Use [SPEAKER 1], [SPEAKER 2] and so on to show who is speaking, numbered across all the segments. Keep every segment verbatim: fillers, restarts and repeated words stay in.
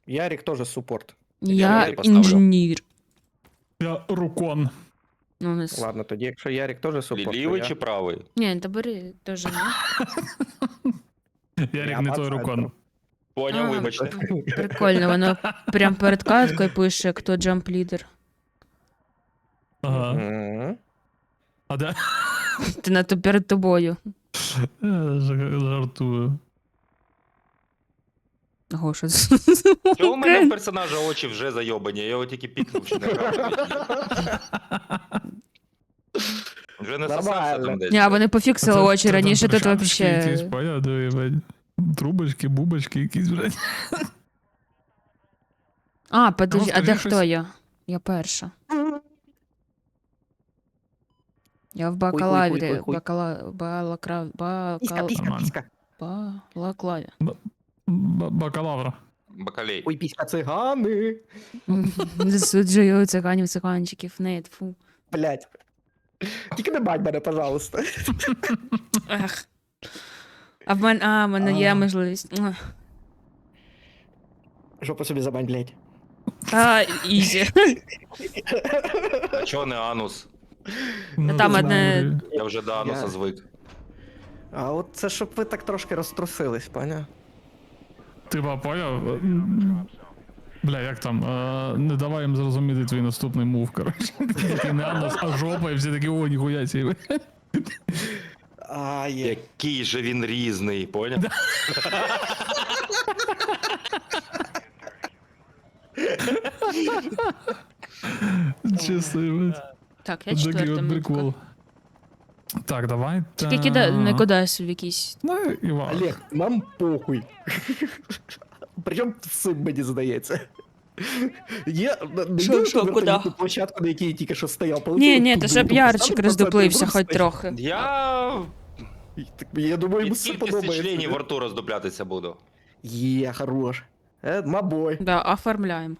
[SPEAKER 1] Ярик тоже суппорт.
[SPEAKER 2] Я
[SPEAKER 3] Ярик поставлю.
[SPEAKER 2] інженер.
[SPEAKER 4] Я рукон.
[SPEAKER 2] Ну, у нас...
[SPEAKER 1] Ладно, тоді, якщо Ярик тоже суппорт, то
[SPEAKER 3] Лівий
[SPEAKER 1] я...
[SPEAKER 3] чи правий?
[SPEAKER 2] Ні, та бери теж ні.
[SPEAKER 4] Ярик
[SPEAKER 1] Я
[SPEAKER 4] не
[SPEAKER 1] по
[SPEAKER 4] той
[SPEAKER 1] центру.
[SPEAKER 4] рукон.
[SPEAKER 3] Поняв,
[SPEAKER 2] А.
[SPEAKER 3] вибачте.
[SPEAKER 2] Прикольно, воно прям перед каткою пише, хто джамп лідер.
[SPEAKER 4] Ага.
[SPEAKER 1] Мгм.
[SPEAKER 4] А де?
[SPEAKER 2] Ти на то перед тобою.
[SPEAKER 4] Я ж- жартую.
[SPEAKER 2] Ого, що це?
[SPEAKER 3] Чого у мене в персонажа очі вже зайобані? Я його тільки пікнув, що не грав. Вже не сосався
[SPEAKER 1] Нормально.
[SPEAKER 3] там десь.
[SPEAKER 2] Ні, а вони пофіксили
[SPEAKER 4] Це-
[SPEAKER 2] очі
[SPEAKER 4] це
[SPEAKER 2] раніше,
[SPEAKER 4] там
[SPEAKER 2] тут
[SPEAKER 4] перчаточки якісь,
[SPEAKER 2] вообще...
[SPEAKER 4] понятно, блядь. Трубочки, бубочки якісь, блядь.
[SPEAKER 2] А, подожди,
[SPEAKER 4] Ну,
[SPEAKER 2] а де
[SPEAKER 4] скажи
[SPEAKER 2] хто
[SPEAKER 4] щось.
[SPEAKER 2] я? Я перша. Я в
[SPEAKER 1] хуй, хуй,
[SPEAKER 2] бакалаврі,
[SPEAKER 1] хуй, хуй.
[SPEAKER 2] бакала... балакра...
[SPEAKER 1] Писька,
[SPEAKER 2] бакал...
[SPEAKER 1] писька,
[SPEAKER 4] Нормально.
[SPEAKER 1] писька.
[SPEAKER 2] балаклаві.
[SPEAKER 4] Б- Бакалавра.
[SPEAKER 3] Бакалей.
[SPEAKER 1] Ой, писька цигани.
[SPEAKER 2] Засуджую циганів, циганчиків, не, фу.
[SPEAKER 1] Блять. Тільки не бать мене, пожалуйста.
[SPEAKER 2] Ех. А в мене, а, в мене є
[SPEAKER 1] А.
[SPEAKER 2] можливість. Ах.
[SPEAKER 1] Жопу собі забань, блять.
[SPEAKER 2] Та, ізі.
[SPEAKER 3] А чого не анус?
[SPEAKER 4] Ну,
[SPEAKER 2] там
[SPEAKER 4] не
[SPEAKER 2] одне-
[SPEAKER 4] знаю,
[SPEAKER 3] Я вже до ануса
[SPEAKER 1] Я-
[SPEAKER 3] звик.
[SPEAKER 1] А от це щоб ви так трошки розтрусились, поняв?
[SPEAKER 4] Типа, поняв? Бля, як там? Е, не давай їм зрозуміти твій наступний мув, коротше. Такий не анус, а жопа, і всі такі, о, ніхуя сі.
[SPEAKER 1] А, є.
[SPEAKER 3] Який же він різний, поняв?
[SPEAKER 4] Чисто, блядь.
[SPEAKER 2] Так, я
[SPEAKER 4] Такий
[SPEAKER 2] четверта
[SPEAKER 4] от
[SPEAKER 2] мітка.
[SPEAKER 4] прикол. Так, давай.
[SPEAKER 2] Тільки кида... не кудись в якийсь.
[SPEAKER 4] Ну, Іван.
[SPEAKER 1] Олег, нам похуй. Причому цим мені здається. Є, не
[SPEAKER 2] Що,
[SPEAKER 1] йди
[SPEAKER 2] що,
[SPEAKER 1] на
[SPEAKER 2] куди?
[SPEAKER 1] вертольотну площадку, на якій я тільки що стояв.
[SPEAKER 2] Ні,
[SPEAKER 1] полетів
[SPEAKER 2] ні,
[SPEAKER 1] туди,
[SPEAKER 2] то щоб
[SPEAKER 1] туди,
[SPEAKER 2] ярчик
[SPEAKER 1] поставив
[SPEAKER 2] роздуплився
[SPEAKER 1] процент,
[SPEAKER 2] хоч трохи.
[SPEAKER 3] Я
[SPEAKER 1] Так, Я думаю, йому
[SPEAKER 3] від
[SPEAKER 1] все
[SPEAKER 3] кількості членів
[SPEAKER 1] подобається.
[SPEAKER 3] во рту роздуплятися буду.
[SPEAKER 1] Є, хорош. Е, мабой.
[SPEAKER 2] Да, оформляємо.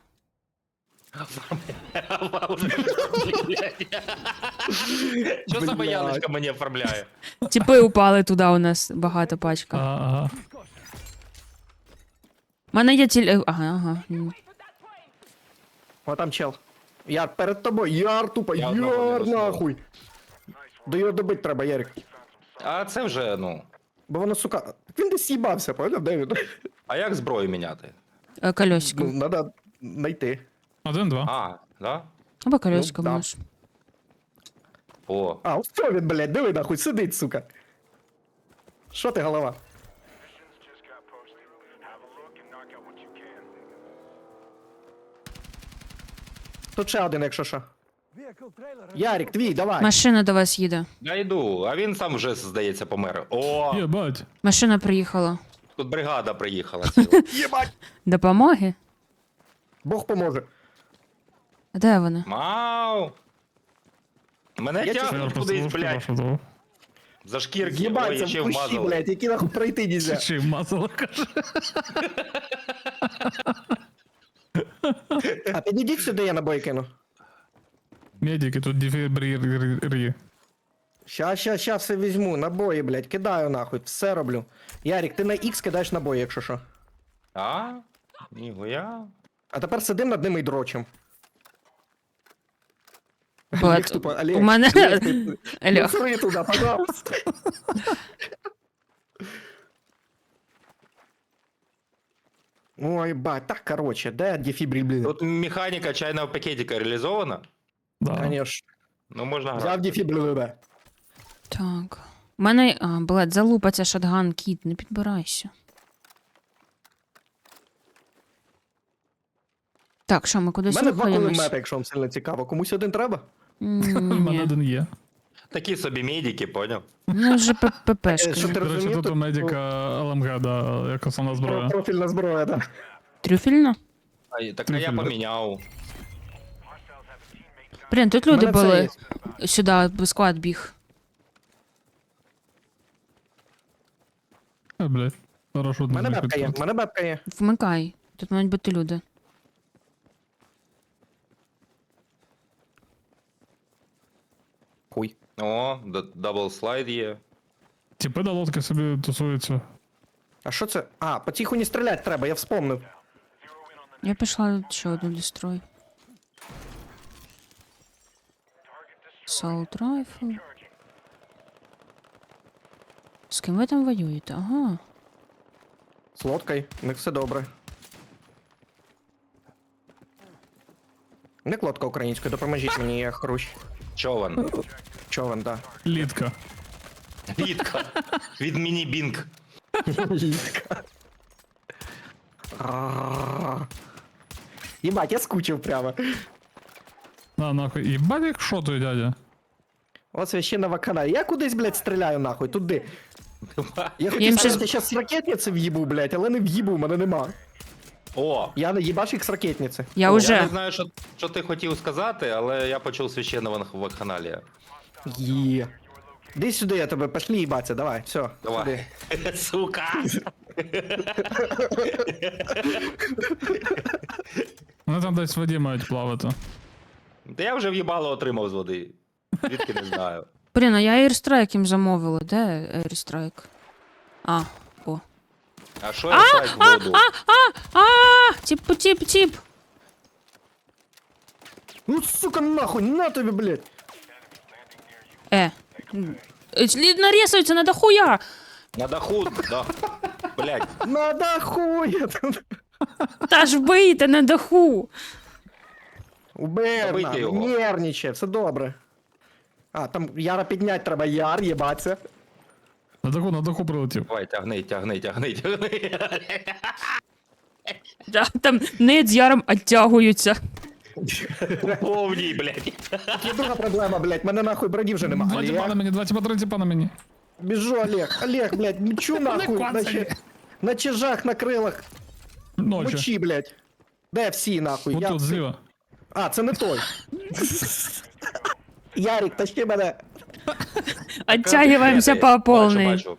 [SPEAKER 3] Що за
[SPEAKER 1] Блядь.
[SPEAKER 3] Яночка мені оформляє?
[SPEAKER 2] Тіпи упали туди у нас багато пачка.
[SPEAKER 4] Ага, ага.
[SPEAKER 2] У мене є тіль... е, Ага, ага. М.
[SPEAKER 1] О, там чел. Яр, перед тобою, Яр тупо,
[SPEAKER 3] Я одного не
[SPEAKER 1] Яр
[SPEAKER 3] доснув.
[SPEAKER 1] нахуй. До його добити треба, Ярик.
[SPEAKER 3] А це вже, ну.
[SPEAKER 1] Бо воно, сука, він десь їбався, поняв, де він?
[SPEAKER 3] А як зброю міняти?
[SPEAKER 2] Е, Колесико.
[SPEAKER 1] Ну, треба знайти.
[SPEAKER 4] Один-два.
[SPEAKER 3] А, да?
[SPEAKER 2] Або колесико
[SPEAKER 1] да.
[SPEAKER 2] можеш.
[SPEAKER 3] О,
[SPEAKER 1] А, ось що він, блядь, диви нахуй, сидить, сука. Що ти, голова? Тут ще один, якщо що. Ярик, твій, давай.
[SPEAKER 2] Машина до вас їде.
[SPEAKER 3] я йду, а він сам вже, здається, помер. О,
[SPEAKER 4] Єбать.
[SPEAKER 2] Машина приїхала.
[SPEAKER 3] тут бригада приїхала. ціла.
[SPEAKER 1] Єбать.
[SPEAKER 2] Допомоги?
[SPEAKER 1] Бог поможе.
[SPEAKER 2] А де вони?
[SPEAKER 3] Мау! Мене
[SPEAKER 1] Я
[SPEAKER 3] тягнуть кудись, блядь,
[SPEAKER 4] блядь.
[SPEAKER 3] за шкірки. Ой,
[SPEAKER 1] Єбать,
[SPEAKER 3] я
[SPEAKER 1] це
[SPEAKER 3] ще
[SPEAKER 1] в кущі,
[SPEAKER 3] вмазали.
[SPEAKER 1] блядь, які нахуй пройти нельзя.
[SPEAKER 4] Чи мазала, каже.
[SPEAKER 1] А підійдіть сюди, я набой кину.
[SPEAKER 4] Медики тут дефібрі.
[SPEAKER 1] Ща, ща, ща все візьму, набої, блядь, кидаю нахуй, все роблю. Ярик, ти на X кидаєш набої, якщо що.
[SPEAKER 3] А? Ніхуя.
[SPEAKER 1] А тепер сидим над ними і дрочим.
[SPEAKER 2] Бат,
[SPEAKER 1] Олег тупо, Олег,
[SPEAKER 2] у мене...
[SPEAKER 1] Олег, ти-
[SPEAKER 2] Алло.
[SPEAKER 1] Ну, сори туди, пожалуйста. Ой, бать, так, короче, де дефібриль, блін?
[SPEAKER 3] Тут механіка чайного пакетика реалізована.
[SPEAKER 4] Да.
[SPEAKER 1] Конечно.
[SPEAKER 3] Ну, можна
[SPEAKER 1] Взяв
[SPEAKER 3] грати.
[SPEAKER 1] дефібриль, да.
[SPEAKER 2] Так. У мене, а, блядь, залупаться шотган, кіт, не підбирайся. Так, що, ми
[SPEAKER 1] У
[SPEAKER 2] кудись
[SPEAKER 1] мене два
[SPEAKER 2] рухаємось?
[SPEAKER 1] кулемета, якщо вам сильно цікаво. Комусь один треба?
[SPEAKER 2] М,
[SPEAKER 4] У мене
[SPEAKER 2] Ні.
[SPEAKER 4] один є.
[SPEAKER 3] Такі собі медики, поняв?
[SPEAKER 2] Ну, вже
[SPEAKER 1] Е, що
[SPEAKER 2] ППшки.
[SPEAKER 1] ти
[SPEAKER 4] До речі,
[SPEAKER 1] розумів,
[SPEAKER 4] тут
[SPEAKER 1] то-
[SPEAKER 4] у медика Л М Г, да, як основна зброя.
[SPEAKER 1] Профільна зброя, да.
[SPEAKER 2] Трюфельно?
[SPEAKER 3] А, і- так а я
[SPEAKER 4] Трюфель, да.
[SPEAKER 3] поміняв.
[SPEAKER 2] Блін, тут
[SPEAKER 1] У
[SPEAKER 2] люди
[SPEAKER 1] мене це
[SPEAKER 2] були.
[SPEAKER 1] є.
[SPEAKER 2] Сюди, склад біг.
[SPEAKER 4] Е, блядь. Хорошо,
[SPEAKER 1] У мене бабка є, у мене бабка є.
[SPEAKER 2] Вмикай. Тут мають бути люди.
[SPEAKER 1] Хуй.
[SPEAKER 3] О, д- дабл слайд є.
[SPEAKER 4] Тіпи на лодки собі тусуються.
[SPEAKER 1] А що це? А, по тиху не стріляти треба, я вспомнив.
[SPEAKER 2] Я пішла ще одну дестрой. Assault Rifle. З ким ви там воюєте? Ага.
[SPEAKER 1] З лодкою, у них все добре. Не лодка українською, допоможіть мені, я хрущ.
[SPEAKER 3] Човен.
[SPEAKER 1] Човен, да.
[SPEAKER 4] Літка.
[SPEAKER 3] Літка. Від міні-бінг.
[SPEAKER 1] Літка. Єбать, я скучив прямо.
[SPEAKER 4] На, нахуй. Єбать, як шотує, дядя.
[SPEAKER 1] От священного каналі. Я кудись, блядь, стріляю нахуй, туди. Я хотів
[SPEAKER 2] їм
[SPEAKER 1] сказати,
[SPEAKER 2] щас-
[SPEAKER 1] щас з ракетниці в'їбу, блядь, але не в'їбу, в мене нема.
[SPEAKER 3] О,
[SPEAKER 1] Я не їбаш їх з ракетниці.
[SPEAKER 2] Я
[SPEAKER 1] О,
[SPEAKER 2] уже-
[SPEAKER 3] я не знаю, що, що ти хотів сказати, але я почув священного вакханалія.
[SPEAKER 1] Є. Іди сюди, я тебе, пошли їбаться, давай, все.
[SPEAKER 3] Давай. Сука!
[SPEAKER 4] Вони там десь в воді мають плавати.
[SPEAKER 3] Та я вже в'їбало отримав з води. Звідки не знаю.
[SPEAKER 2] Блін, а я Airstrike їм замовила. Де Airstrike? А, о.
[SPEAKER 3] А що я страйк в воду?
[SPEAKER 2] А, тип, тип, тип.
[SPEAKER 1] Ну, сука, нахуй, на тобі, блядь.
[SPEAKER 2] Е. Слід нарісується на дохуя.
[SPEAKER 3] На даху, да. Блять.
[SPEAKER 1] Надо хуя.
[SPEAKER 2] Та ж вбийте на даху.
[SPEAKER 1] Уберна,
[SPEAKER 3] Забийте його.
[SPEAKER 1] нервничає, все добре. А, там Яра піднять треба, Яр, їбаться.
[SPEAKER 4] На даху, на даху прилетів.
[SPEAKER 3] Давай, тягни, тягни, тягни, тягни.
[SPEAKER 2] Да, там нед з яром оттягуються.
[SPEAKER 3] Повній, блядь.
[SPEAKER 1] Є друга проблема, блядь, мене нахуй броні вже нема.
[SPEAKER 4] Два тіпа на
[SPEAKER 1] Олег,
[SPEAKER 4] мені, два тіпа, три тіпа на мені.
[SPEAKER 1] біжу, Олег, Олег, блядь, мчу нахуй,
[SPEAKER 4] коцай.
[SPEAKER 1] наче, на чижах, на крилах,
[SPEAKER 4] Ночі.
[SPEAKER 1] мочі, блядь. Де всі, нахуй?
[SPEAKER 4] Ось
[SPEAKER 1] Я...
[SPEAKER 4] тут, зліва.
[SPEAKER 1] А, це не той. Ярик, тащи мене.
[SPEAKER 2] Оттягиваємося по
[SPEAKER 3] Бачу,
[SPEAKER 2] повній.
[SPEAKER 3] бачу.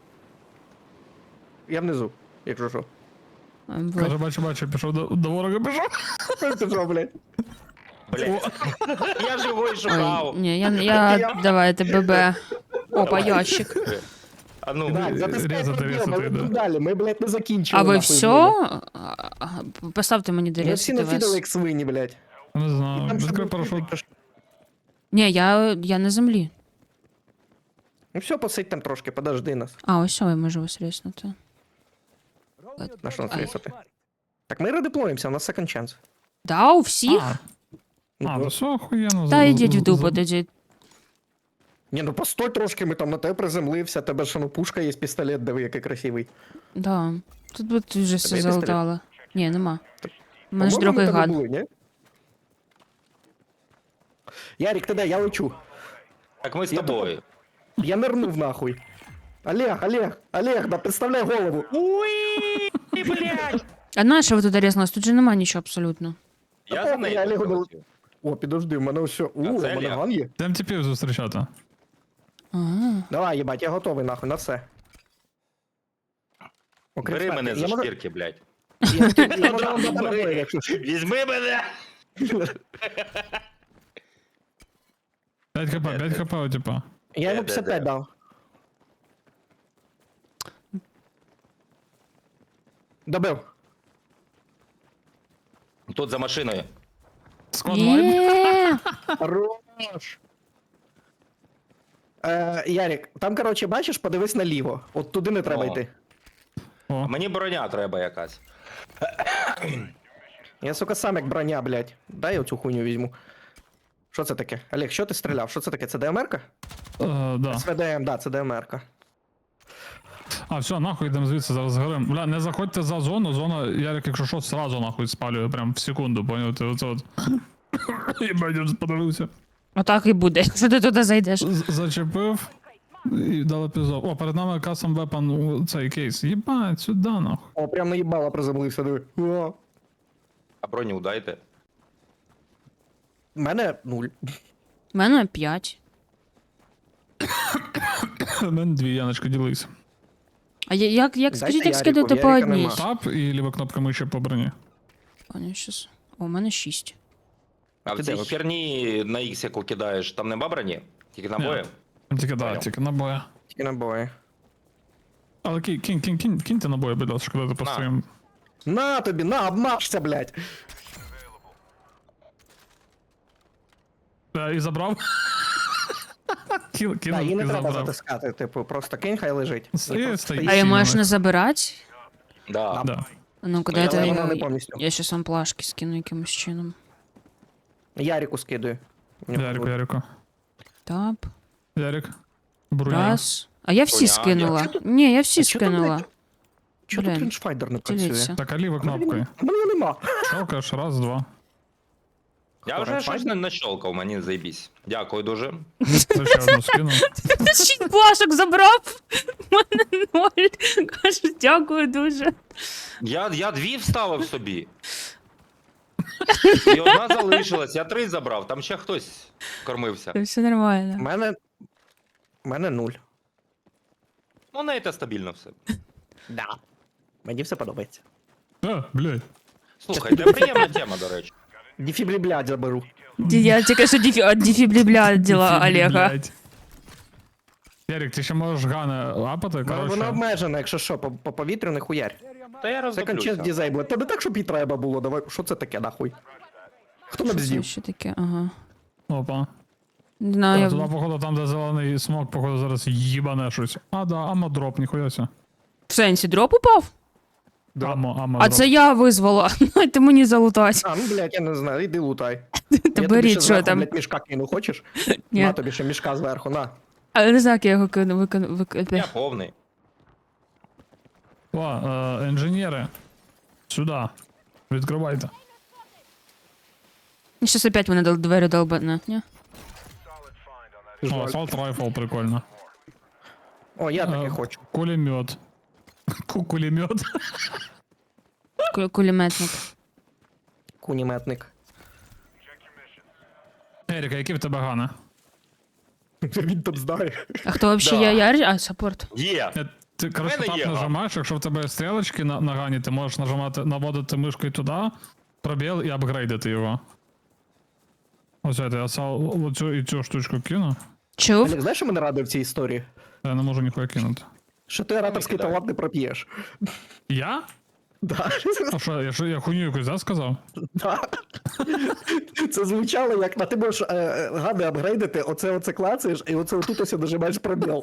[SPEAKER 1] Я внизу, якщо що.
[SPEAKER 4] Каже, бачу, бачу, пішов до, до ворога, пішов.
[SPEAKER 1] Ти що, блядь?
[SPEAKER 3] Блядь. Я ж його й
[SPEAKER 2] Ой,
[SPEAKER 3] шукав.
[SPEAKER 2] ні, я, я, давайте, ББ. Опа, ящик.
[SPEAKER 3] А ну,
[SPEAKER 1] Так, затискай
[SPEAKER 4] різати,
[SPEAKER 1] проблему,
[SPEAKER 4] різати,
[SPEAKER 1] ми
[SPEAKER 4] да.
[SPEAKER 1] тут далі, ми, блядь, не закінчили.
[SPEAKER 2] А ви
[SPEAKER 1] нахуй,
[SPEAKER 2] все?
[SPEAKER 1] блядь.
[SPEAKER 2] А, а, Поставте мені
[SPEAKER 1] Ми всі
[SPEAKER 2] дорісити
[SPEAKER 1] нафідали,
[SPEAKER 2] вас.
[SPEAKER 1] як свині, блядь.
[SPEAKER 4] Не знаю,
[SPEAKER 1] Там
[SPEAKER 4] відкрий
[SPEAKER 1] ще
[SPEAKER 4] парашут.
[SPEAKER 1] буде-
[SPEAKER 2] Ні, я, я на землі.
[SPEAKER 1] Ну все, посидь там трошки, подожди нас.
[SPEAKER 2] А, ось що, я можу вас ріснути.
[SPEAKER 1] На що нас
[SPEAKER 2] Ай.
[SPEAKER 1] рисати? Так ми редеплоїмося, у нас second chance.
[SPEAKER 2] Да, у всіх?
[SPEAKER 4] А,
[SPEAKER 1] Ну,
[SPEAKER 4] а, ну все охуєнно.
[SPEAKER 2] Та
[SPEAKER 4] за-
[SPEAKER 2] йдіть в
[SPEAKER 4] за-
[SPEAKER 2] дупу,
[SPEAKER 4] за-
[SPEAKER 2] тоді.
[SPEAKER 1] Ні, ну постой трошки, ми там на тебе приземлився, тебе ж ну пушка є, пістолет, диви, який красивий.
[SPEAKER 2] Да. Тут би ти вже все
[SPEAKER 1] є пістолет?
[SPEAKER 2] залутала. Ні, нема. У мене ж
[SPEAKER 1] По-моєму,
[SPEAKER 2] другий
[SPEAKER 1] ми тебе
[SPEAKER 2] гад.
[SPEAKER 1] були, ні? Ярик, ти де? Я лечу.
[SPEAKER 3] Так ми з
[SPEAKER 1] Я
[SPEAKER 3] тобою.
[SPEAKER 1] Я нирнув нахуй. Олег, Олег, Олег, да представляй голову.
[SPEAKER 3] Уй, блядь.
[SPEAKER 2] А на що ви туди різнулись? Тут же нема нічого абсолютно.
[SPEAKER 3] Я
[SPEAKER 1] Та
[SPEAKER 3] за
[SPEAKER 1] похуй,
[SPEAKER 3] нею
[SPEAKER 1] я Олегу не-
[SPEAKER 3] прилетів.
[SPEAKER 1] О, підожди, в мене все. У,
[SPEAKER 3] А
[SPEAKER 1] у
[SPEAKER 3] це
[SPEAKER 1] мене
[SPEAKER 3] Олег.
[SPEAKER 1] ган є.
[SPEAKER 4] Йдем тіпів зустрічати.
[SPEAKER 2] Ага.
[SPEAKER 1] Давай, їбать, я готовий нахуй на все. Окрім
[SPEAKER 3] Бери
[SPEAKER 1] смерті.
[SPEAKER 3] мене за
[SPEAKER 1] Я можу-
[SPEAKER 3] шкірки, блядь.
[SPEAKER 1] Я- я можу вам дати набої, якщо що.
[SPEAKER 3] Візьми мене.
[SPEAKER 4] п'ять хп, п'ять хп у тіпа.
[SPEAKER 1] Я йому
[SPEAKER 3] Де, де,
[SPEAKER 1] п'ятдесят п'ять
[SPEAKER 3] де?
[SPEAKER 1] дав. Добив.
[SPEAKER 3] Тут за машиною.
[SPEAKER 4] Склад вайп.
[SPEAKER 2] Є!
[SPEAKER 1] Хорош. Е, Ярик, там, короче, бачиш, подивись наліво. От туди не треба
[SPEAKER 3] О.
[SPEAKER 1] йти.
[SPEAKER 3] А
[SPEAKER 4] О,
[SPEAKER 3] мені броня треба якась.
[SPEAKER 1] Я, сука, сам як броня, блядь. Дай я оцю хуйню візьму. Що це таке? Олег, що ти стріляв? Що це таке? Це ДМР-ка?
[SPEAKER 4] е, да.
[SPEAKER 1] СВДМ, да, це ДМР-ка.
[SPEAKER 4] А, все, нахуй йдемо звідси, зараз згорим. Бля, не заходьте за зону, зона, Ярик, якщо що, сразу нахуй спалює, прям в секунду, поняв? Ти оце от. Єбать, я вже подивився.
[SPEAKER 2] Отак і буде, якщо ти туди зайдеш.
[SPEAKER 4] З- Зачепив і дали пізов. О, перед нами custom weapon у цей кейс. Єбать, сюди нахуй.
[SPEAKER 1] О, прям наїбало приземлився, диви. О.
[SPEAKER 3] А броню дайте.
[SPEAKER 1] У мене нуль.
[SPEAKER 2] У мене п'ять.
[SPEAKER 4] У мене дві, Яночка, ділись.
[SPEAKER 2] А я- як, як
[SPEAKER 1] Дайте
[SPEAKER 2] скажіть, як
[SPEAKER 1] Ярику,
[SPEAKER 2] скидати по
[SPEAKER 1] Ярика
[SPEAKER 2] одній?
[SPEAKER 1] нема.
[SPEAKER 4] Тап і ліва кнопка миші по броні.
[SPEAKER 2] Пані, щас. О, у мене шість.
[SPEAKER 3] А
[SPEAKER 1] Ти
[SPEAKER 3] в цій
[SPEAKER 1] де?
[SPEAKER 3] херні на ікс, яку кидаєш, там нема броні? Тільки набої?
[SPEAKER 4] Тільки да,
[SPEAKER 3] Понял.
[SPEAKER 4] тільки набоя.
[SPEAKER 1] Тільки набої.
[SPEAKER 4] Але кинь, кинь, кинь, кинь, киньте набої, будь ласка, коли ти построїм.
[SPEAKER 1] На тобі, на, обмажся, блядь.
[SPEAKER 4] Е, І забрав. Кіл,
[SPEAKER 1] Так,
[SPEAKER 4] кинув
[SPEAKER 1] її не
[SPEAKER 4] і
[SPEAKER 1] треба
[SPEAKER 4] забрав.
[SPEAKER 1] затискати, типу, просто кинь, хай лежить.
[SPEAKER 4] Стоїть,
[SPEAKER 1] І просто
[SPEAKER 4] стоїть.
[SPEAKER 2] А її
[SPEAKER 4] Сильно.
[SPEAKER 2] можна забирати?
[SPEAKER 3] Да.
[SPEAKER 4] Да.
[SPEAKER 2] А ну-ка,
[SPEAKER 3] Ну, я
[SPEAKER 2] дайте
[SPEAKER 1] вона не
[SPEAKER 2] я,
[SPEAKER 1] повністю.
[SPEAKER 2] я щас вам плашки скину якимось чином.
[SPEAKER 1] Ярику скидаю. У нього
[SPEAKER 4] Ярику,
[SPEAKER 1] тут-
[SPEAKER 4] Ярику.
[SPEAKER 2] Тап.
[SPEAKER 4] Ярик. Бруня.
[SPEAKER 2] Раз. А я всі
[SPEAKER 3] Бруня,
[SPEAKER 2] скинула.
[SPEAKER 1] я-
[SPEAKER 2] Ні, я всі
[SPEAKER 1] А чого там,
[SPEAKER 2] скинула.
[SPEAKER 1] блядь, Чого тут
[SPEAKER 2] Блін.
[SPEAKER 1] рейнджфайдер не працює?
[SPEAKER 2] Діліться.
[SPEAKER 4] Так, а лівою кнопкою.
[SPEAKER 1] У мене його нема.
[SPEAKER 4] Щелкаєш, раз, два.
[SPEAKER 3] Я вже щось не нащолкав, мені заєбісь. Дякую дуже.
[SPEAKER 4] Це ще одну скинув.
[SPEAKER 2] Шість плашок забрав. У мене ноль. Кажу, дякую дуже.
[SPEAKER 3] Я, я дві вставив собі. І одна залишилась, я три забрав, там ще хтось кормився.
[SPEAKER 2] Все
[SPEAKER 1] У
[SPEAKER 2] нормально.
[SPEAKER 1] мене... У мене нуль.
[SPEAKER 3] Ну, не це стабільно все.
[SPEAKER 1] Да. Мені все подобається.
[SPEAKER 4] А, блядь.
[SPEAKER 3] Слухай, це приємна тема, до речі.
[SPEAKER 1] Дефіблі, блядь, заберу.
[SPEAKER 2] Ді- Я тільки що дефі... от дефібрібля діла Олега.
[SPEAKER 4] Блядь. Ярик, ти ще можеш гана лапати,
[SPEAKER 1] Вона вона
[SPEAKER 4] коротше.
[SPEAKER 1] обмежена, якщо що, по, по повітрю не хуярь.
[SPEAKER 3] Та я
[SPEAKER 1] Це кончент
[SPEAKER 3] роздоплюся.
[SPEAKER 1] дізейбла. Тебе так, щоб і треба було, давай. Що це таке, нахуй? Хто нам
[SPEAKER 2] Що це
[SPEAKER 1] бздів?
[SPEAKER 2] ще таке? Ага.
[SPEAKER 4] Опа.
[SPEAKER 2] Не знаю,
[SPEAKER 4] А, туди,
[SPEAKER 2] я...
[SPEAKER 4] походу, там, де зелений смок, походу, зараз їбане щось. А, да, амо дроп, ніхуя ся.
[SPEAKER 2] В сенсі дроп упав?
[SPEAKER 4] Амо, амо
[SPEAKER 2] А
[SPEAKER 4] дроп.
[SPEAKER 2] це я визвала. Ти мені залутать.
[SPEAKER 1] А, ну, блядь, я не знаю, іди лутай.
[SPEAKER 2] Та
[SPEAKER 1] Я тобі
[SPEAKER 2] беріть,
[SPEAKER 1] ще
[SPEAKER 2] що
[SPEAKER 1] зверху,
[SPEAKER 2] там.
[SPEAKER 1] блядь, мішка кину, хочеш?
[SPEAKER 2] Ні.
[SPEAKER 1] На тобі ще мішка зверху, на.
[SPEAKER 2] А не знаю, як я його кину, викину,
[SPEAKER 3] Я
[SPEAKER 2] викину.
[SPEAKER 3] повний.
[SPEAKER 4] О, е, інженери. Сюди. Відкривайте.
[SPEAKER 2] Щас опять мене дал- двері долбане, ні?
[SPEAKER 4] О, асфальт райфл, прикольно.
[SPEAKER 1] О, я таки
[SPEAKER 4] Е,
[SPEAKER 1] хочу.
[SPEAKER 4] Кулемет. Ку- Кулемет.
[SPEAKER 2] Ку- Кулеметник.
[SPEAKER 1] Куніметник.
[SPEAKER 4] Еріка, які в тебе гани?
[SPEAKER 1] Він там знає.
[SPEAKER 2] А хто вообще
[SPEAKER 3] Да.
[SPEAKER 2] я? Я? А, саппорт.
[SPEAKER 3] Є.
[SPEAKER 4] Е, Ти, коротше,
[SPEAKER 3] мене
[SPEAKER 4] так
[SPEAKER 3] є ган.
[SPEAKER 4] нажимаєш, якщо в тебе стрілочки на, на гані, ти можеш нажимати, наводити мишкою туди, пробіл і апгрейдити його. Ось це, я сал, оцю і цю штучку кину.
[SPEAKER 2] Чув?
[SPEAKER 1] Олег, знаєш, що мене радує в цій історії?
[SPEAKER 4] Я не можу ніхуя кинути.
[SPEAKER 1] Що ти ораторський
[SPEAKER 3] кидай.
[SPEAKER 1] талант не проп'єш.
[SPEAKER 4] Я?
[SPEAKER 1] Да.
[SPEAKER 4] А що, я, що, я хуйню якусь, да, сказав?
[SPEAKER 1] Да. Це звучало як на ти можеш е, е, гади апгрейдити, оце оце клацаєш, і оце отут ось нажимаєш пробіл.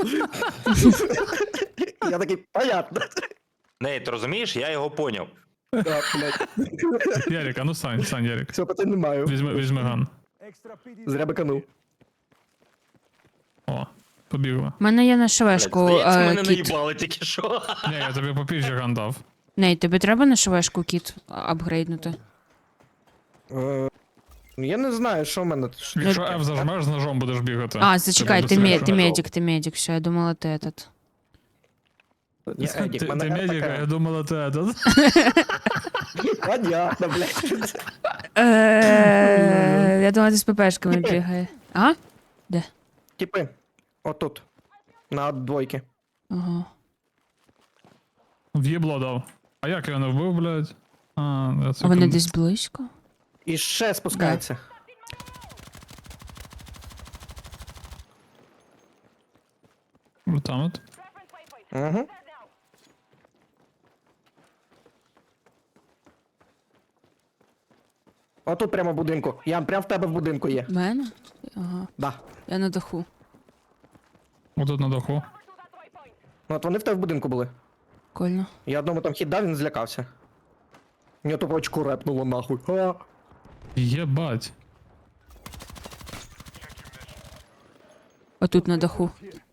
[SPEAKER 1] Я такий, понятно.
[SPEAKER 3] Ней, ти розумієш, я його поняв.
[SPEAKER 1] Да, блядь.
[SPEAKER 4] Ярик, а ну стань, стань, Ярик.
[SPEAKER 1] Все, питань не маю.
[SPEAKER 4] Візьми, візьми ган.
[SPEAKER 1] Зря биканув.
[SPEAKER 4] О, побігли.
[SPEAKER 2] У мене є на
[SPEAKER 3] Блядь,
[SPEAKER 2] швешку
[SPEAKER 3] здається,
[SPEAKER 2] е,
[SPEAKER 3] мене
[SPEAKER 2] кіт.
[SPEAKER 3] наїбали тільки що.
[SPEAKER 4] Ні, я тобі попізже ган дав.
[SPEAKER 2] Ней, тобі треба на швешку кіт а, апгрейднути?
[SPEAKER 1] Е, Я не знаю, що в мене. Що-
[SPEAKER 4] Якщо F зажмеш, з ножом будеш бігати.
[SPEAKER 2] А, зачекай,
[SPEAKER 4] Це
[SPEAKER 2] ти,
[SPEAKER 4] буде
[SPEAKER 2] ме-
[SPEAKER 4] стріляти.
[SPEAKER 2] ти медик, ти медик, все, я думала, ти этот.
[SPEAKER 1] Я
[SPEAKER 4] Ти,
[SPEAKER 1] Едік,
[SPEAKER 4] ти,
[SPEAKER 1] мене
[SPEAKER 4] ти медик, а
[SPEAKER 1] така.
[SPEAKER 4] я думала, ти этот.
[SPEAKER 1] Понятно, блядь.
[SPEAKER 2] Е, Я думала, ти з ППшками бігає. А? Де?
[SPEAKER 1] Типи, отут. На двойки.
[SPEAKER 2] Ага.
[SPEAKER 4] В'єбло дав. А як я не вбив, блядь? А, я це
[SPEAKER 2] А вони
[SPEAKER 4] кон-
[SPEAKER 2] десь близько?
[SPEAKER 1] І ще спускається.
[SPEAKER 4] Там от.
[SPEAKER 1] Угу. Отут прямо в будинку. Ян, прямо в тебе в будинку є.
[SPEAKER 2] В мене? Ага.
[SPEAKER 1] Да.
[SPEAKER 2] Я на даху.
[SPEAKER 4] Отут на даху.
[SPEAKER 1] Ну от вони в тебе в будинку були.
[SPEAKER 2] Прикольно.
[SPEAKER 1] Я одному там хід дав, він злякався. Мені тупо очку репнуло нахуй. А.
[SPEAKER 4] Єбать.
[SPEAKER 2] Отут на даху.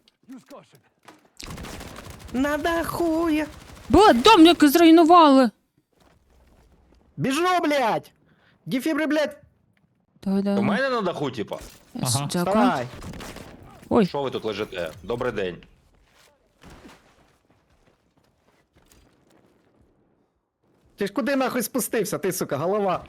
[SPEAKER 1] На даху є.
[SPEAKER 2] Бля, дом як зруйнували!
[SPEAKER 1] Біжу, блядь! Дефібри, блядь!
[SPEAKER 2] Давай,
[SPEAKER 3] У
[SPEAKER 2] давай.
[SPEAKER 3] мене на даху, типа.
[SPEAKER 4] Ага.
[SPEAKER 2] Дякую.
[SPEAKER 1] Давай!
[SPEAKER 2] Ой,
[SPEAKER 3] Що ви тут лежите? Добрий день.
[SPEAKER 1] Ти ж куди нахуй спустився, ти, сука, голова?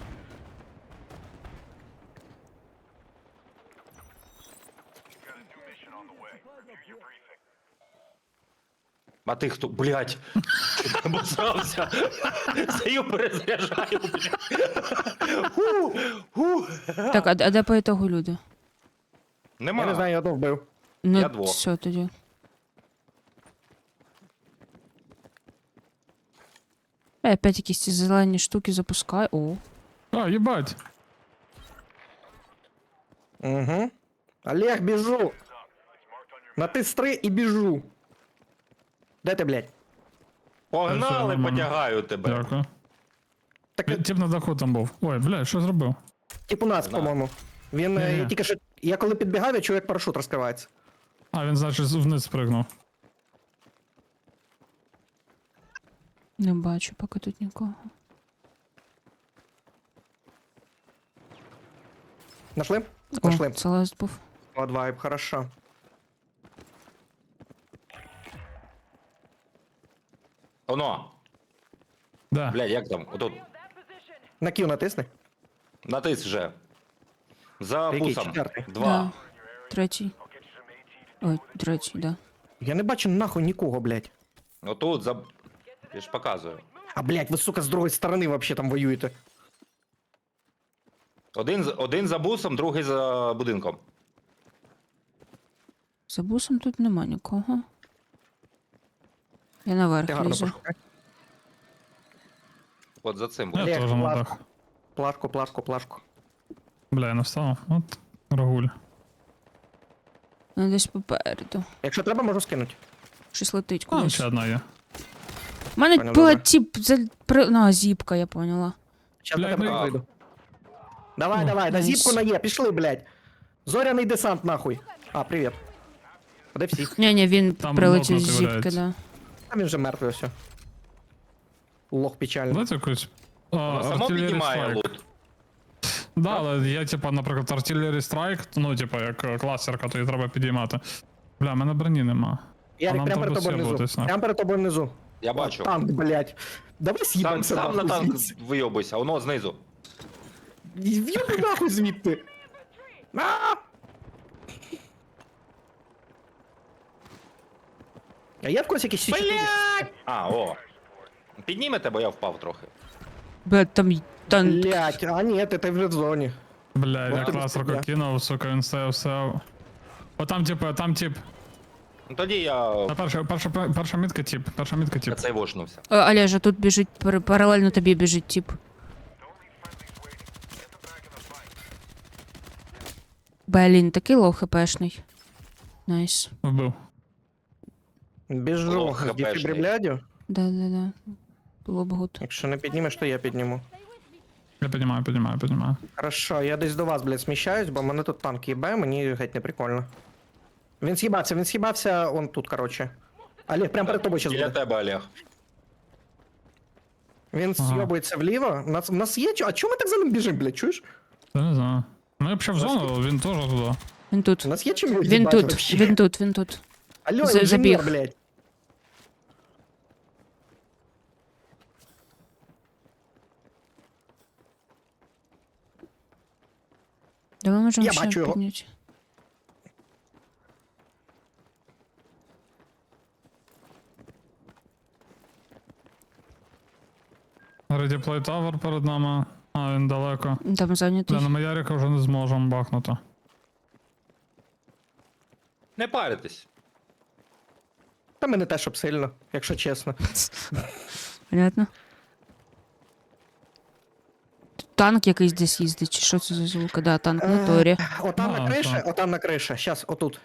[SPEAKER 3] А ти хто? Блять. Обосрався. Стою, перезаряджаю, блядь. Ху, ху.
[SPEAKER 2] так, а, а де по ітогу люди?
[SPEAKER 3] Нема.
[SPEAKER 1] Я не знаю, я одного вбив.
[SPEAKER 2] Ну,
[SPEAKER 3] Я двох.
[SPEAKER 2] все тоді. Я опять якісь ці зелені штуки запускаю. О,
[SPEAKER 4] А, їбать.
[SPEAKER 1] Угу. Олег, біжу. Натис три і біжу. Де ти, блядь?
[SPEAKER 3] Погнали,
[SPEAKER 4] нормально.
[SPEAKER 3] потягаю тебе.
[SPEAKER 4] Дякую.
[SPEAKER 1] Так,
[SPEAKER 4] Він- Тип на даху там був. Ой, бля, що зробив?
[SPEAKER 1] тип у нас,
[SPEAKER 3] Знаю.
[SPEAKER 1] по-моєму. Він е,
[SPEAKER 4] Ні-ні.
[SPEAKER 1] я тільки що. Я коли підбігав, я чую, як парашут розкривається.
[SPEAKER 4] А, він, значить, вниз спригнув.
[SPEAKER 2] не бачу поки тут нікого.
[SPEAKER 1] Нашли?
[SPEAKER 2] О,
[SPEAKER 1] Нашли.
[SPEAKER 2] це ласт був.
[SPEAKER 1] От вайб, хорошо.
[SPEAKER 3] Оно.
[SPEAKER 4] Да.
[SPEAKER 3] Блядь, як там? Отут.
[SPEAKER 1] На Q натисни.
[SPEAKER 3] Натис вже. За
[SPEAKER 1] Який?
[SPEAKER 3] бусом.
[SPEAKER 1] Четвертий?
[SPEAKER 3] Два.
[SPEAKER 2] Да. Третій. Ой, третій, да.
[SPEAKER 1] Я не бачу нахуй нікого, блядь.
[SPEAKER 3] Отут за. Я ж показую.
[SPEAKER 1] А, блядь, ви, сука, з другої сторони вообще там воюєте.
[SPEAKER 3] Один, з- один за бусом, другий за будинком.
[SPEAKER 2] За бусом тут нема нікого. Я
[SPEAKER 1] Ти
[SPEAKER 2] наверх
[SPEAKER 1] гарно
[SPEAKER 2] лізу.
[SPEAKER 1] пошукай.
[SPEAKER 3] От за цим.
[SPEAKER 4] Я
[SPEAKER 1] Олег,
[SPEAKER 4] теж на
[SPEAKER 1] плашку.
[SPEAKER 4] дах.
[SPEAKER 1] Плашку, плашку, плашку.
[SPEAKER 4] Бля, я не встав. От рагуль.
[SPEAKER 2] Ну, десь попереду.
[SPEAKER 1] Якщо треба, можу скинути.
[SPEAKER 2] Щось летить
[SPEAKER 4] А,
[SPEAKER 2] кудись.
[SPEAKER 4] ще одна є.
[SPEAKER 2] У мене
[SPEAKER 1] Понял,
[SPEAKER 2] була
[SPEAKER 1] добре.
[SPEAKER 2] тіп... За... При... На, зіпка, я поняла.
[SPEAKER 1] Щас
[SPEAKER 4] Бля,
[SPEAKER 1] на тебе
[SPEAKER 4] ну-
[SPEAKER 1] вийду. Давай,
[SPEAKER 4] О,
[SPEAKER 1] давай, на
[SPEAKER 2] найс.
[SPEAKER 1] зіпку на Є, пішли, блядь. Зоряний десант, нахуй. А, привіт. А де всі?
[SPEAKER 2] Ні-ні, він
[SPEAKER 4] Там
[SPEAKER 2] прилетів з
[SPEAKER 4] нокнутий
[SPEAKER 2] зіпки,
[SPEAKER 4] валяється.
[SPEAKER 2] да.
[SPEAKER 1] А він вже мертвий все. Лох печальний.
[SPEAKER 4] Дайте якусь. А,
[SPEAKER 3] Воно само
[SPEAKER 4] artillery
[SPEAKER 3] піднімає
[SPEAKER 4] strike.
[SPEAKER 3] лут.
[SPEAKER 4] Да, але є, типа, наприклад, Artillery Strike, ну, типа, як е, класерка, то її треба підіймати. Бля, в мене броні нема.
[SPEAKER 1] Ярик,
[SPEAKER 4] нам
[SPEAKER 1] прямо перед
[SPEAKER 4] треба
[SPEAKER 1] тобою внизу.
[SPEAKER 4] сєбуватись, нахуй.
[SPEAKER 1] Прямо перед тобою внизу.
[SPEAKER 3] Я бачу.
[SPEAKER 1] Танк, блядь. Давай
[SPEAKER 3] Сам,
[SPEAKER 1] с'їбемося
[SPEAKER 3] сам на
[SPEAKER 1] нахуй
[SPEAKER 3] танк
[SPEAKER 1] звідси.
[SPEAKER 3] вийобуйся, воно знизу.
[SPEAKER 1] В'єбу нахуй звідти. А! А є в когось якісь чотири?
[SPEAKER 3] А, о. Піднімете, бо я впав трохи.
[SPEAKER 2] Бля, там й- танк.
[SPEAKER 1] Блять, а ні, ти, ти вже в зоні.
[SPEAKER 4] Бля,
[SPEAKER 1] Вот
[SPEAKER 4] я
[SPEAKER 1] ти
[SPEAKER 4] класерку
[SPEAKER 1] бля.
[SPEAKER 4] кинув, сука, він стояв все. О, там, типа, там тип.
[SPEAKER 3] Ну тоді я
[SPEAKER 4] Та перша, перша, перша мітка тип, перша мітка тип.
[SPEAKER 3] цей вошнувся.
[SPEAKER 2] Е, Олежа, тут біжить, пар- паралельно тобі біжить тіп. Блін, такий лоу хпшний. Найс.
[SPEAKER 4] Вбив.
[SPEAKER 1] Біжу
[SPEAKER 3] Ох,
[SPEAKER 1] з
[SPEAKER 3] хпшний.
[SPEAKER 1] дефібрилядю.
[SPEAKER 2] Да-да-да. Було б гуд.
[SPEAKER 1] Якщо не піднімеш, то я підніму.
[SPEAKER 4] Я піднімаю, піднімаю, піднімаю.
[SPEAKER 1] Хорошо, я десь до вас, блядь, сміщаюсь, бо мене тут танк їбе, мені геть не прикольно. Він з'їбався, він з'їбався, он тут, короче. Олег, прямо перед тобою зараз
[SPEAKER 3] Біля
[SPEAKER 1] буде.
[SPEAKER 3] тебе, Олег.
[SPEAKER 1] Він
[SPEAKER 4] Ага.
[SPEAKER 1] з'йобується вліво. У нас, у нас є чо? А чому ми так за ним біжимо, блядь, чуєш?
[SPEAKER 4] Я не знаю. Ну, я б ще в зону, він теж туди.
[SPEAKER 2] Він тут.
[SPEAKER 1] У нас є чим його
[SPEAKER 2] Він
[SPEAKER 1] їбати
[SPEAKER 2] тут,
[SPEAKER 1] вообще?
[SPEAKER 2] він тут, він тут.
[SPEAKER 1] Алло,
[SPEAKER 2] за-
[SPEAKER 1] інженер,
[SPEAKER 2] забіг.
[SPEAKER 1] блядь.
[SPEAKER 2] Давай можемо
[SPEAKER 1] Я
[SPEAKER 2] ще
[SPEAKER 1] бачу його.
[SPEAKER 2] підняти.
[SPEAKER 4] Ready Play Tower перед нами. А, він далеко.
[SPEAKER 2] Там зайнятий.
[SPEAKER 4] Бля, на Маярика вже не зможемо бахнути.
[SPEAKER 3] Не паритесь.
[SPEAKER 1] Та мене те, щоб сильно, якщо чесно.
[SPEAKER 2] Понятно. Тут танк якийсь десь їздить, чи що це за звук? Да, танк на торі.
[SPEAKER 1] Отам
[SPEAKER 4] А,
[SPEAKER 1] на криші,
[SPEAKER 4] так.
[SPEAKER 1] отам на криші. Щас, отут.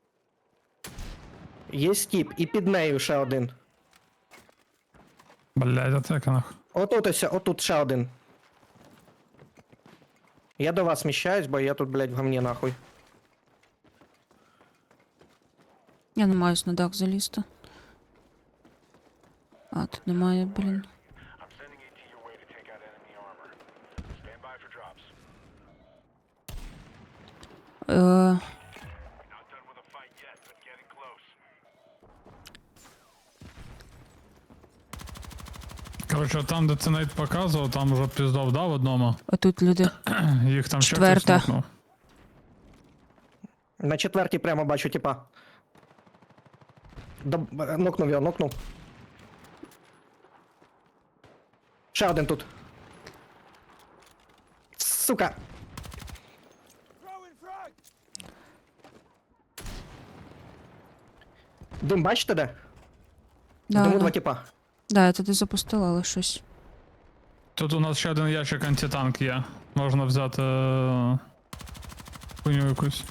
[SPEAKER 1] Є стіп, і під нею ще один.
[SPEAKER 4] Блядь, атака нах.
[SPEAKER 1] Отут ось, отут ще один. Я до вас сміщаюсь, бо я тут, блядь, в гамні нахуй.
[SPEAKER 2] Я не маюсь на дах залізти. А, тут немає, блін. Е,
[SPEAKER 4] Коротше, там, де це навіть показував, там вже піздов дав одному.
[SPEAKER 2] а тут люди.
[SPEAKER 4] Їх там ще
[SPEAKER 2] Четверта.
[SPEAKER 4] хтось нокнув.
[SPEAKER 1] На четвертій прямо бачу, типа. Доб... е, Нокнув його, нокнув. Ще один тут. Сука. Дим, бачите де?
[SPEAKER 2] Да,
[SPEAKER 1] Диму
[SPEAKER 2] да.
[SPEAKER 1] два типа.
[SPEAKER 2] Да, я туди запустила, але щось.
[SPEAKER 4] Тут у нас ще один ящик антитанк є. Можна взяти е, хуйню якусь.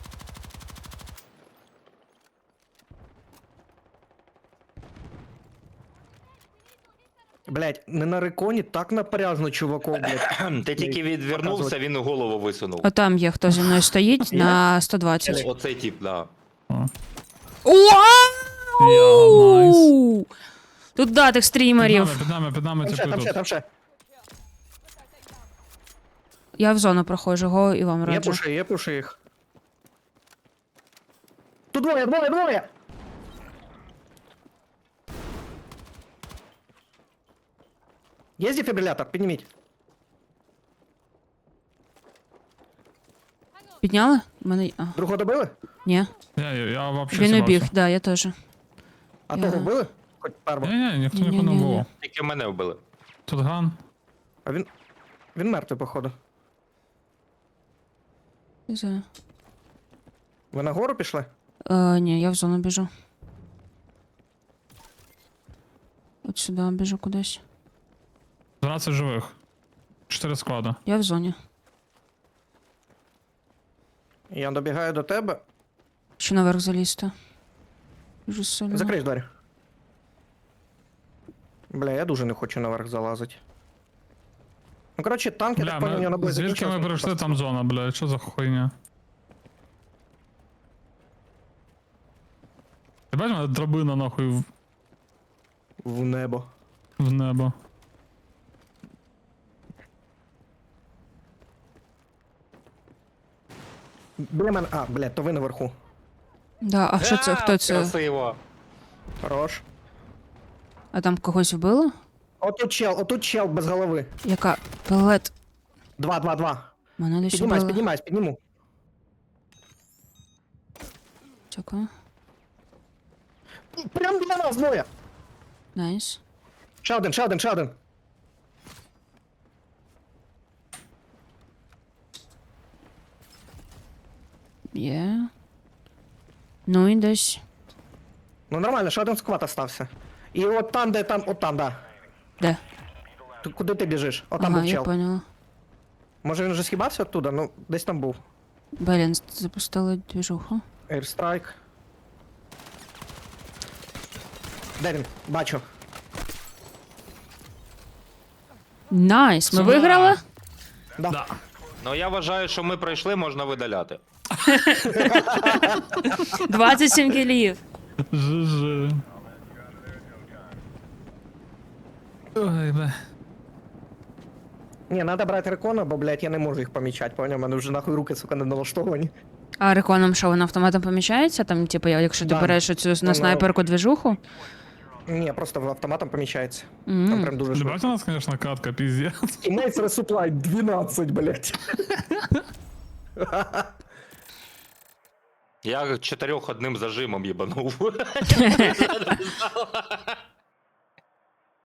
[SPEAKER 1] Блять, не на реконі, так напряжно, чуваков, блять.
[SPEAKER 3] Ти тільки відвернувся, він голову висунув.
[SPEAKER 2] Отам є, хто зі мною стоїть на сто двадцять.
[SPEAKER 3] Оцей тип, да.
[SPEAKER 4] О.
[SPEAKER 2] Уау! Тут датих
[SPEAKER 4] Під
[SPEAKER 2] стрімерів.
[SPEAKER 4] нами, під нами, під нами
[SPEAKER 1] Там ще,
[SPEAKER 4] типи
[SPEAKER 1] там ще,
[SPEAKER 4] тут.
[SPEAKER 1] там ще.
[SPEAKER 2] Я в зону проходжу, го і вам
[SPEAKER 1] Є
[SPEAKER 2] раджу.
[SPEAKER 1] пуши, є пуши їх. Тут двоє, двоє, двоє! Є дефібрилятор? Підніміть.
[SPEAKER 2] Підняли? Мене. А,
[SPEAKER 1] Другого добили?
[SPEAKER 2] ні.
[SPEAKER 4] Я, я, я вообще
[SPEAKER 2] Він
[SPEAKER 4] сібався.
[SPEAKER 2] убіг, да, я теж.
[SPEAKER 1] А
[SPEAKER 2] Я-
[SPEAKER 1] того вбили? Хоч перво.
[SPEAKER 4] Ні, ні, ніхто нікого не
[SPEAKER 2] Ні-ні-ні.
[SPEAKER 4] було.
[SPEAKER 3] Тільки мене вбили.
[SPEAKER 4] Тут ган.
[SPEAKER 1] А він. Він мертвий, походу.
[SPEAKER 2] Не знаю.
[SPEAKER 1] Ви на гору пішли?
[SPEAKER 2] Е, ні, я в зону біжу. От сюди біжу кудись.
[SPEAKER 4] дванадцять живих. чотири склада.
[SPEAKER 2] Я в зоні.
[SPEAKER 1] Я добігаю до тебе.
[SPEAKER 2] Чи наверх залізти? Дуже сильно.
[SPEAKER 1] Закрий двері. Бля, я дуже не хочу наверх залазити. Ну, коротше, танки,
[SPEAKER 4] Бля,
[SPEAKER 1] так понял, на
[SPEAKER 4] ми,
[SPEAKER 1] бой
[SPEAKER 4] звідки ми прийшли, там зона, бля, що за хуйня? Ти бачиш, мене драбина нахуй в,
[SPEAKER 1] В небо.
[SPEAKER 4] в небо.
[SPEAKER 1] Біля мене. А, блядь, то ви наверху.
[SPEAKER 2] Да, а що це?
[SPEAKER 3] А,
[SPEAKER 2] Хто це?
[SPEAKER 3] Красиво.
[SPEAKER 1] Хорош.
[SPEAKER 2] А там когось вбило?
[SPEAKER 1] Отут чел, отут чел без голови.
[SPEAKER 2] Яка? Пелет.
[SPEAKER 1] Два, два, два.
[SPEAKER 2] Мене десь
[SPEAKER 1] Піднімайся,
[SPEAKER 2] вбили.
[SPEAKER 1] піднімайся, підніму.
[SPEAKER 2] Дякую.
[SPEAKER 1] Прям біля нас двоє.
[SPEAKER 2] Найс.
[SPEAKER 1] Ще один, ще один, ще один.
[SPEAKER 2] Є. Ну і десь.
[SPEAKER 1] Ну нормально, ще один сквад остався. І от там, де там, от там, да.
[SPEAKER 2] Де?
[SPEAKER 1] Ти- Куди ти біжиш? От там
[SPEAKER 2] Ага,
[SPEAKER 1] був
[SPEAKER 2] я
[SPEAKER 1] чел.
[SPEAKER 2] поняла.
[SPEAKER 1] Може він вже схибався оттуда? Ну, десь там був.
[SPEAKER 2] Блін, запустили движуху.
[SPEAKER 1] Airstrike. Де він? Бачу.
[SPEAKER 2] Найс, ми
[SPEAKER 4] Сюда.
[SPEAKER 2] виграли?
[SPEAKER 1] Да.
[SPEAKER 4] Да.
[SPEAKER 3] Ну я вважаю, що ми пройшли, можна видаляти.
[SPEAKER 2] двадцять сім кілів.
[SPEAKER 4] Жи-жи. Ой, бля.
[SPEAKER 1] Ні, треба брати рекона, бо, блядь, я не можу їх помічати, поняв? У мене вже нахуй руки, сука, не налаштовані.
[SPEAKER 2] А реконом що, воно автоматом помічається? Там, типу, я- якщо ти
[SPEAKER 1] Да.
[SPEAKER 2] береш оцю на
[SPEAKER 1] Воно-
[SPEAKER 2] снайперку движуху?
[SPEAKER 1] Ні, просто автоматом помічається.
[SPEAKER 2] М.
[SPEAKER 1] Там прям дуже
[SPEAKER 4] Ти
[SPEAKER 1] швидко.
[SPEAKER 4] бачиш, у нас, конечно, катка, пиздец.
[SPEAKER 1] І Mates Resupply дванадцять, блядь.
[SPEAKER 3] Я чотирьох одним зажимом їбанув.